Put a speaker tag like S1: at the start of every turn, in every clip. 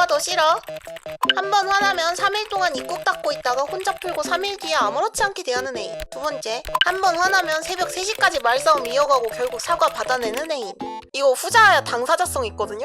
S1: 더 싫어. 한 번 화나면 3일 동안 입국 닫고 있다가 혼자 풀고 3일 뒤에 아무렇지 않게 대하는 애인. 두 번째, 한 번 화나면 새벽 3시까지 말싸움 이어가고 결국 사과 받아내는 애인. 이거 후자야 당사자성 있거든요?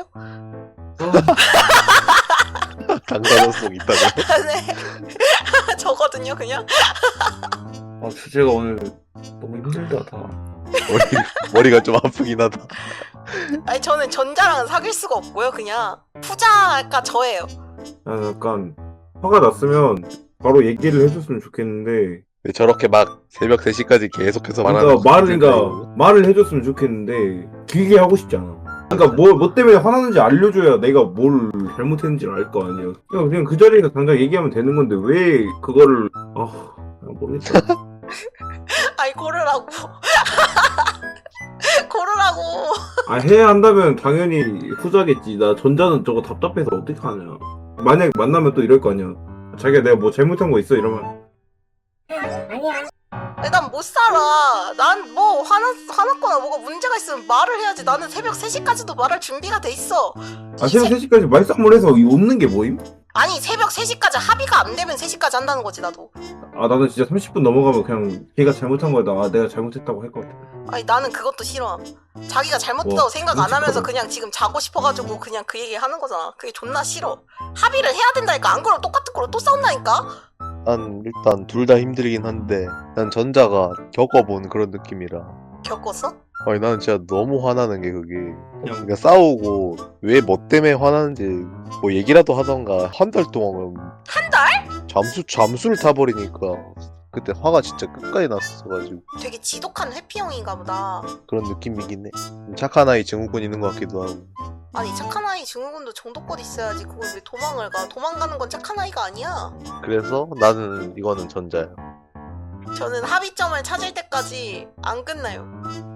S2: 당사자성 있다고요?
S1: 네. 저거든요 그냥.
S3: 주제가 오늘 너무 힘들다 다.
S2: 머리가 좀 아프긴 하다.
S1: 아니 저는 전자랑은 사귈 수가 없고요. 그냥 후자가 저예요.
S3: 약간 화가 났으면 바로 얘기를 해줬으면 좋겠는데.
S2: 왜 저렇게 막 새벽 3시까지 계속해서 말하는
S3: 그러니까 말을 해줬으면 좋겠는데 길게 하고 싶지 않아. 그러니까 뭐 때문에 화나는지 알려줘야 내가 뭘 잘못했는지 알 거 아니야. 그냥 그 자리에서 당장 얘기하면 되는 건데 왜 그거를 모르겠다.
S1: 아이 고르라고. 고르라고.
S3: 해야 한다면 당연히 후자겠지. 나 전자는 저거 답답해서 어떻게 하냐. 만약 만나면 또 이럴 거 아니야. 자기가 내가 뭐 잘못한 거 있어 이러면
S1: 난 못 살아. 난 뭐 화났거나 뭐가 문제가 있으면 말을 해야지. 나는 새벽 3시까지도 말할 준비가 돼 있어.
S3: 새벽 3시까지 말싸움을 해서 웃는 게 뭐임?
S1: 아니 새벽 3시까지 합의가 안 되면 3시까지 한다는 거지 나도.
S3: 나는 진짜 30분 넘어가면 그냥 걔가 잘못한 거다. 내가 잘못했다고 할 것 같아.
S1: 아니 나는 그것도 싫어. 자기가 잘못했다고 생각 안 하면서
S3: 끔찍하다.
S1: 그냥 지금 자고 싶어가지고 그냥 그 얘기 하는 거잖아. 그게 존나 싫어. 합의를 해야 된다니까. 안 그러면 똑같은 거로 또 싸운다니까.
S2: 난 일단 둘 다 힘들긴 한데 난 전자가 겪어본 그런 느낌이라.
S1: 겪었어?
S2: 아니 나는 진짜 너무 화나는 게 그게 그러니까 싸우고 왜 뭐 때문에 화나는지 뭐 얘기라도 하던가 한 달 동안
S1: 한 달?
S2: 잠수를 타버리니까 그때 화가 진짜 끝까지 났어가지고
S1: 되게 지독한 회피형인가 보다.
S2: 그런 느낌이긴 해. 착한 아이 증후군 있는 것 같기도 하고.
S1: 아니 착한 아이 증후군도 정도껏 있어야지. 그걸 왜 도망을 가. 도망가는 건 착한 아이가 아니야.
S2: 그래서 나는 이거는 전자야.
S1: 저는 합의점을 찾을 때까지 안 끝나요.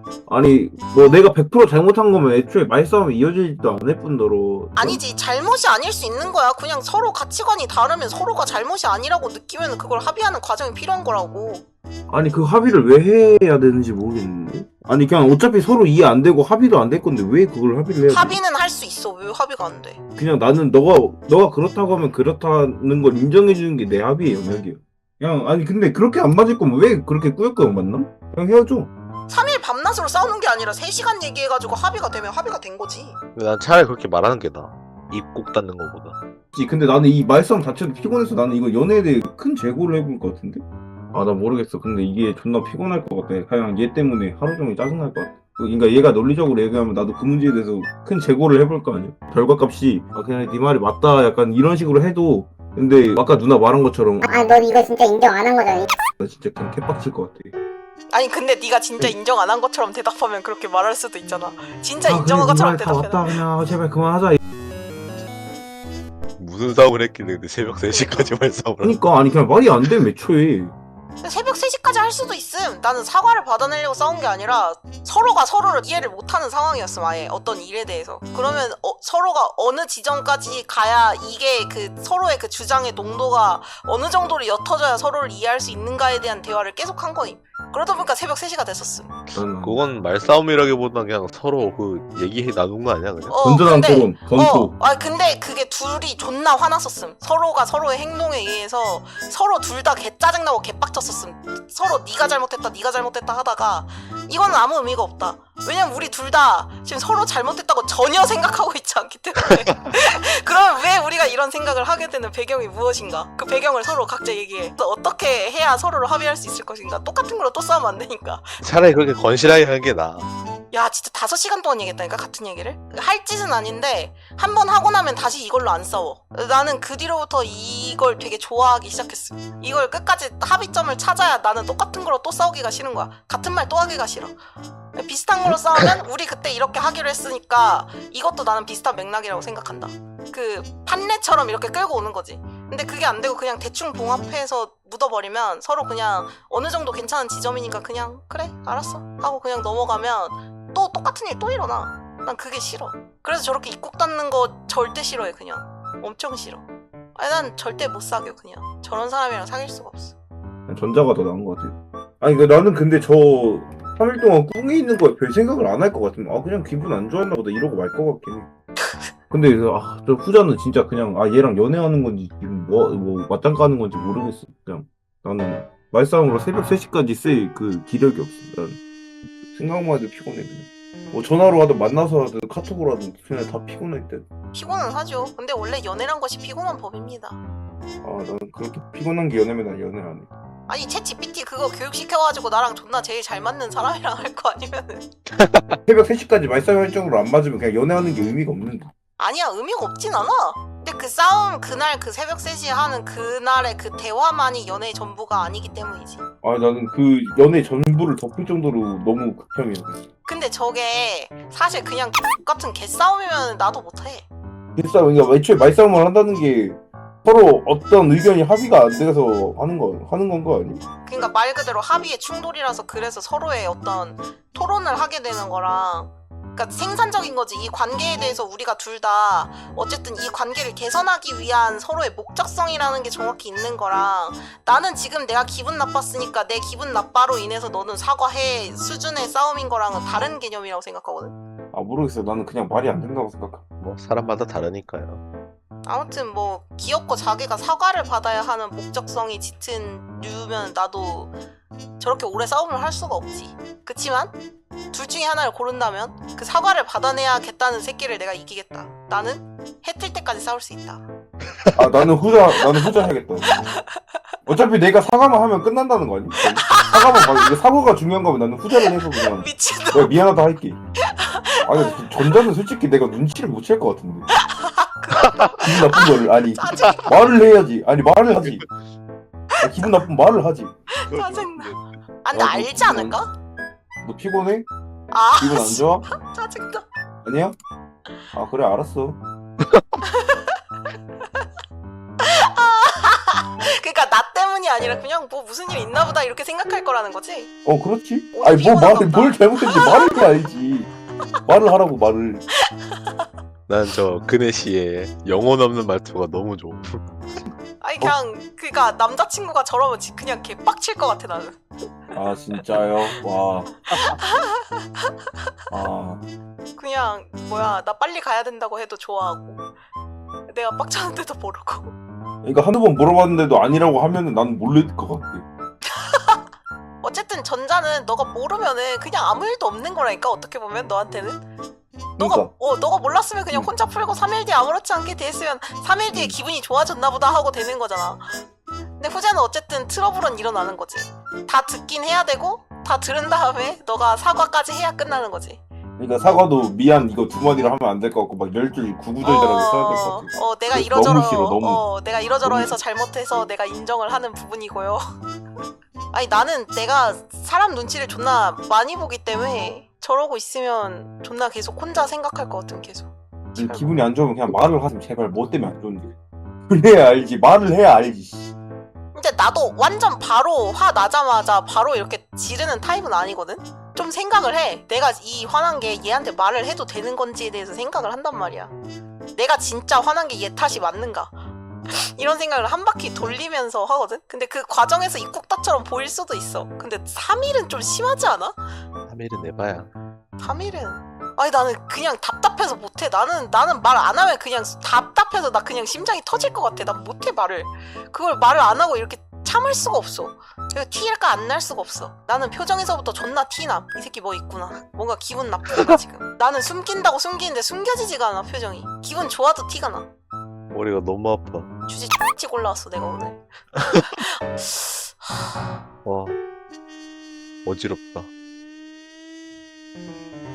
S3: 아니 뭐 내가 100% 잘못한 거면 애초에 말싸움이 이어지지도 않을 뿐더러.
S1: 아니지 잘못이 아닐 수 있는 거야. 그냥 서로 가치관이 다르면 서로가 잘못이 아니라고 느끼면 그걸 합의하는 과정이 필요한 거라고.
S3: 아니 그 합의를 왜 해야 되는지 모르겠는데. 아니 그냥 어차피 서로 이해 안 되고 합의도 안 될 건데 왜 그걸 합의를 해야 돼?
S1: 합의는 할 수 있어. 왜 합의가 안 돼?
S3: 그냥 나는 너가 그렇다고 하면 그렇다는 걸 인정해 주는 게 내 합의의 영역이야. 그냥 아니 근데 그렇게 안 맞을 거면 왜 그렇게 꾸역꾸역 만나? 그냥 헤어져.
S1: 3일 밤낮으로 싸우는 게 아니라 3시간 얘기해가지고 합의가 되면 합의가 된 거지.
S2: 난 차라리 그렇게 말하는 게 나아. 입국 닫는 것보다.
S3: 근데 나는 이 말싸움 자체도 피곤해서 나는 이거 연애에 대해 큰 재고를 해볼 것 같은데? 나 모르겠어. 근데 이게 존나 피곤할 것 같아. 그냥 얘 때문에 하루 종일 짜증날 것 같아. 그러니까 얘가 논리적으로 얘기하면 나도 그 문제에 대해서 큰 재고를 해볼 거 아니야. 결과값이 그냥 네 말이 맞다 약간 이런 식으로 해도 근데 아까 누나 말한 것처럼
S4: 넌 이거 진짜 인정 안 한 거잖아.
S3: 나 진짜 그냥 개빡칠 것 같아.
S1: 아니 근데 네가 진짜 인정 안 한 것처럼 대답하면 그렇게 말할 수도 있잖아. 진짜
S3: 그래,
S1: 인정한 것처럼
S3: 네 말다
S1: 대답해.
S3: 맞다 그냥 제발 그만하자.
S2: 무슨 싸움을 했길래 근데 새벽 3시까지 말싸움을
S3: 그러니까 아니 그냥 말이 안 돼 애초에.
S1: 새벽 3시까지 할 수도 있음. 나는 사과를 받아내려고 싸운 게 아니라 서로가 서로를 이해를 못하는 상황이었음. 아예 어떤 일에 대해서. 그러면 서로가 어느 지점까지 가야 이게 그 서로의 그 주장의 농도가 어느 정도로 옅어져야 서로를 이해할 수 있는가에 대한 대화를 계속 한 거임. 그러다 보니까 새벽 3시가 됐었음.
S2: 그건 말싸움이라기보다 그냥 서로 그 얘기해 나눈 거 아니야 그냥?
S3: 건전한 토론, 검토.
S1: 근데 그게 둘이 존나 화났었음. 서로가 서로의 행동에 의해서 서로 둘 다 개 짜증나고 개 빡쳤었음. 서로 네가 잘못했다 하다가 이거는 아무 의미가 없다. 왜냐면 우리 둘 다 지금 서로 잘못했다고 전혀 생각하고 있지 않기 때문에. 그러면 왜 우리가 이런 생각을 하게 되는 배경이 무엇인가? 그 배경을 서로 각자 얘기해. 어떻게 해야 서로를 합의할 수 있을 것인가? 똑같은 걸로 또 싸우면 안 되니까.
S2: 차라리 그렇게 건실하게 하는 게 나아.
S1: 야 진짜 5시간 동안 얘기했다니까 같은 얘기를? 할 짓은 아닌데 한 번 하고 나면 다시 이걸로 안 싸워. 나는 그 뒤로부터 이걸 되게 좋아하기 시작했어. 이걸 끝까지 합의점을 찾아야 나는 똑같은 걸로 또 싸우기가 싫은 거야. 같은 말 또 하기가 싫어. 비슷한 걸로 싸우면 우리 그때 이렇게 하기로 했으니까 이것도 나는 비슷한 맥락이라고 생각한다. 그 판례처럼 이렇게 끌고 오는 거지. 근데 그게 안 되고 그냥 대충 봉합해서 묻어버리면 서로 그냥 어느 정도 괜찮은 지점이니까 그냥 그래 알았어 하고 그냥 넘어가면 또 똑같은 일 또 일어나. 난 그게 싫어. 그래서 저렇게 입국 닫는 거 절대 싫어해. 그냥 엄청 싫어. 아니 난 절대 못 사겨. 그냥 저런 사람이랑 사귈 수가 없어.
S3: 전자가 더 나은 것 같아. 아니 나는 근데 저 3일 동안 꿍에 있는 거에 별 생각을 안 할 것 같으면 그냥 기분 안 좋았나 보다 이러고 말 것 같긴 해. 근데 저 후자는 진짜 그냥 얘랑 연애하는 건지 지금 뭐 맞짱 까는 건지 모르겠어. 그냥 나는 말싸움으로 새벽 3시까지 쓸 그 기력이 없어. 난 생각만 해도 피곤해 그냥. 뭐 전화로 하든 만나서 하든 카톡으로 하든 그냥 다 피곤할 때.
S1: 피곤은 하죠. 근데 원래 연애란 것이 피곤한 법입니다.
S3: 난 그렇게 피곤한 게 연애면 난 연애 안 해.
S1: 아니 챗 GPT 그거 교육시켜가지고 나랑 존나 제일 잘 맞는 사람이랑 할 거 아니면은
S3: 새벽 3시까지 말싸움 할 정도로 안 맞으면 그냥 연애하는 게 의미가 없는데.
S1: 아니야 의미가 없진 않아. 근데 그 싸움 그날 그 새벽 3시에 하는 그날의 그 대화만이 연애의 전부가 아니기 때문이지.
S3: 나는 그 연애 전부를 덮을 정도로 너무 극혐이야.
S1: 근데 저게 사실 그냥 같은 개싸움이면 나도 못해.
S3: 말싸움, 그러니까 애초에 말싸움을 한다는 게 서로 어떤 의견이 합의가 안 돼서 하는 건 거 아니?
S1: 그러니까 말 그대로 합의의 충돌이라서 그래서 서로의 어떤 토론을 하게 되는 거랑 그러니까 생산적인 거지. 이 관계에 대해서 우리가 둘 다 어쨌든 이 관계를 개선하기 위한 서로의 목적성이라는 게 정확히 있는 거랑 나는 지금 내가 기분 나빴으니까 내 기분 나빠로 인해서 너는 사과해 수준의 싸움인 거랑은 다른 개념이라고 생각하거든.
S3: 모르겠어. 나는 그냥 말이 안 된다고 생각해.
S2: 뭐 사람마다 다르니까요.
S1: 아무튼 뭐 귀엽고 자기가 사과를 받아야 하는 목적성이 짙은 류면 나도 저렇게 오래 싸움을 할 수가 없지. 그치만 둘 중에 하나를 고른다면 그 사과를 받아내야겠다는 새끼를 내가 이기겠다. 나는 해 뜰 때까지 싸울 수 있다.
S3: 나는 후자 해야겠다. 어차피 내가 사과만 하면 끝난다는 거 아니? 사과만 받아. 이게 사과가 중요한 거면 나는 후자를 해서 그냥
S1: 미친놈.
S3: 내가 미안하다 할게. 근데 전자는 솔직히 내가 눈치를 못 챌 것 같은데. 기분 나쁜 거를
S1: 짜증.
S3: 말을 해야지. 말을 하지. 기분 나쁜 말을 하지.
S1: 짜증나. 근데 알지 않을까?
S3: 너 피곤해?
S1: 아
S3: 기분 안 좋아?
S1: 짜증나.
S3: 아니야? 그래 알았어.
S1: 그러니까 나 때문이 아니라 그냥 뭐 무슨 일 있나 보다 이렇게 생각할 거라는 거지.
S3: 그렇지.
S1: 오늘 피곤한가 보다.
S3: 뭘 잘못했는지 말을 해야지. 말을 하라고 말을.
S2: 난 저 그네 씨의 영혼 없는 말투가 너무 좋아.
S1: 아니 그냥 그니까 남자친구가 저러면 그냥 개빡칠 것 같아 나는.
S3: 진짜요? 와.
S1: 그냥 뭐야 나 빨리 가야 된다고 해도 좋아하고 내가 빡쳤는데도 모르고.
S3: 그러니까 한두 번 물어봤는데도 아니라고 하면은 나는 모를 것 같아.
S1: 어쨌든 전자는 너가 모르면은 그냥 아무 일도 없는 거라니까 어떻게 보면 너한테는.
S3: 그러니까.
S1: 너가 몰랐으면 그냥 혼자 풀고 3일 뒤에 아무렇지 않게 됐으면 3일 뒤에 기분이 좋아졌나 보다 하고 되는 거잖아. 근데 후자는 어쨌든 트러블은 일어나는 거지. 다 듣긴 해야 되고 다 들은 다음에 너가 사과까지 해야 끝나는 거지.
S3: 그러니까 사과도 미안 이거 두 마디로 하면 안 될 것 같고 막 10줄 구구절절하게 써야 될 것 같아.
S1: 내가
S3: 너무
S1: 이러저러
S3: 싫어, 너무.
S1: 내가 이러저러 해서 잘못해서 내가 인정을 하는 부분이고요. 아니 나는 내가 사람 눈치를 존나 많이 보기 때문에 저러고 있으면 존나 계속 혼자 생각할 것 같은 계속.
S3: 기분이 안 좋으면 그냥 말을 하지 제발. 뭐 때문에 안 좋은지. 그래야 알지. 말을 해야 알지.
S1: 근데 나도 완전 바로 화 나자마자 바로 이렇게 지르는 타입은 아니거든? 좀 생각을 해. 내가 이 화난 게 얘한테 말을 해도 되는 건지에 대해서 생각을 한단 말이야. 내가 진짜 화난 게 얘 탓이 맞는가? 이런 생각을 한 바퀴 돌리면서 하거든? 근데 그 과정에서 입국다처럼 보일 수도 있어. 근데 3일은 좀 심하지 않아?
S2: 3일은 내봐야.
S1: 3일은 아니 나는 그냥 답답해서 못해. 나는 말 안 하면 그냥 답답해서 나 그냥 심장이 터질 것 같아. 난 못해 말을. 그걸 말을 안 하고 이렇게 참을 수가 없어. 티가 안 날 수가 없어. 나는 표정에서부터 존나 티남. 이 새끼 뭐 있구나. 뭔가 기분 나쁘구나 지금. 나는 숨긴다고 숨기는데 숨겨지지가 않아 표정이. 기분 좋아도 티가 나.
S2: 머리가 너무 아파.
S1: 주제 찍 올라왔어 내가 오늘.
S2: 와 어지럽다.